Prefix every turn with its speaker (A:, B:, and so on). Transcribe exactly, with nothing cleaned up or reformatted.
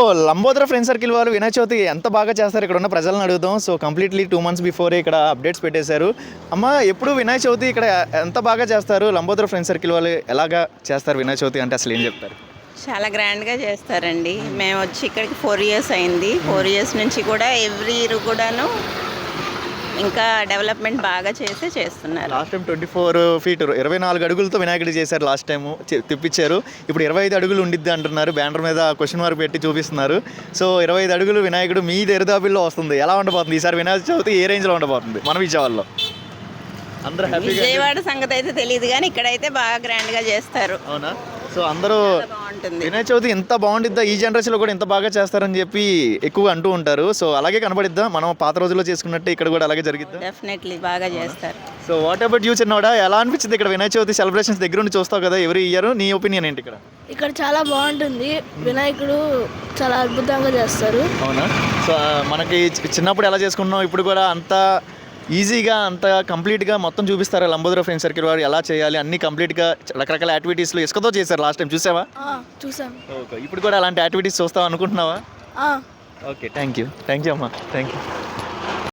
A: Lambodara friend circle వాళ్ళు వినాయక చవితి ఎంత బాగా చేస్తారు ఇక్కడ ఉన్న ప్రజలను అడుగుదాం. So completely two months before ఇక్కడ అప్డేట్స్ పెట్టేశారు. అమ్మ ఎప్పుడు వినాయక చవితి ఇక్కడ ఎంత బాగా చేస్తారు? లంబోదర ఫ్రెండ్ సర్కిల్ వాళ్ళు ఎలాగా చేస్తారు వినాయక చవితి అంటే అసలు ఏం చెప్తారు?
B: చాలా గ్రాండ్గా చేస్తారండి. మేము వచ్చి ఇక్కడికి ఫోర్ ఇయర్స్ అయింది. ఫోర్ ఇయర్స్ నుంచి కూడా ఎవ్రీ ఇయర్ కూడాను ఇంకా డెవలప్మెంట్ బాగా చేసి చేస్తున్నారు.
A: Last time twenty four feet ఇరవై నాలుగు అడుగులతో వినాయకుడు చేశారు. లాస్ట్ టైం తెప్పించారు. ఇప్పుడు ఇరవై ఐదు అడుగులు ఉండిద్ది అంటున్నారు. బ్యానర్ మీద క్వశ్చన్ మార్క్ పెట్టి చూపిస్తున్నారు. సో ఇరవై ఐదు అడుగులు వినాయకుడు మీ దరిదాపుల్లో వస్తుంది. ఎలా ఉండబోతుంది ఈసారి వినాయక చవితి? ఏ రేంజ్లో ఉండబోతుంది మన విజయవాడలో? అందరూ హ్యాపీగా.
B: విజయవాడ సంగతి అయితే తెలియదు కానీ ఇక్కడైతే బాగా గ్రాండ్గా చేస్తారు.
A: అవునా? సో అందరూ
B: బాగుంటుంది.
A: వినాయక చవితి ఎంత బాగుండిద్దా, ఈ జనరేషన్లో కూడా ఎంత బాగా చేస్తారని చెప్పి ఎక్కువగా అంటూ ఉంటారు. సో అలాగే కనబడిద్దా మనం పాత రోజుల్లో చేసుకున్నట్టు ఇక్కడ కూడా అలాగే జరిగిద్దా?
B: డెఫినెట్లీ బాగా చేస్తారు.
A: సో వాట్ అబౌట్ యూ చిన్నవాడా? ఎలా అనిపించింది ఇక్కడ వినాయక చవితి సెలబ్రేషన్స్ దగ్గర నుండి చూస్తావు కదా ఎవరి ఇయర్? నీ ఒపీనియన్ ఏంటి? ఇక్కడ
C: ఇక్కడ చాలా బాగుంటుంది. వినాయకుడు చాలా అద్భుతంగా చేస్తారు.
A: అవునా? సో మనకి చి- చిన్నప్పుడు ఎలా చేసుకున్నాం, ఇప్పుడు కూడా అంత ఈజీగా అంత కంప్లీట్గా మొత్తం చూపిస్తారా లంబోదర ఫ్రెండ్ సర్కిల్ వారు ఎలా చేయాలి అన్ని కంప్లీట్గా రకరకాల యాక్టివిటీస్లో ఇసుకతో చేశారు లాస్ట్ టైం చూసావా?
C: ఆ, చూసాం.
A: ఓకే, ఇప్పుడు కూడా అలాంటి యాక్టివిటీస్ చూస్తావు అనుకుంటున్నావా?
C: ఆ.
A: Okay, thank you thank you అమ్మా, థ్యాంక్ యూ.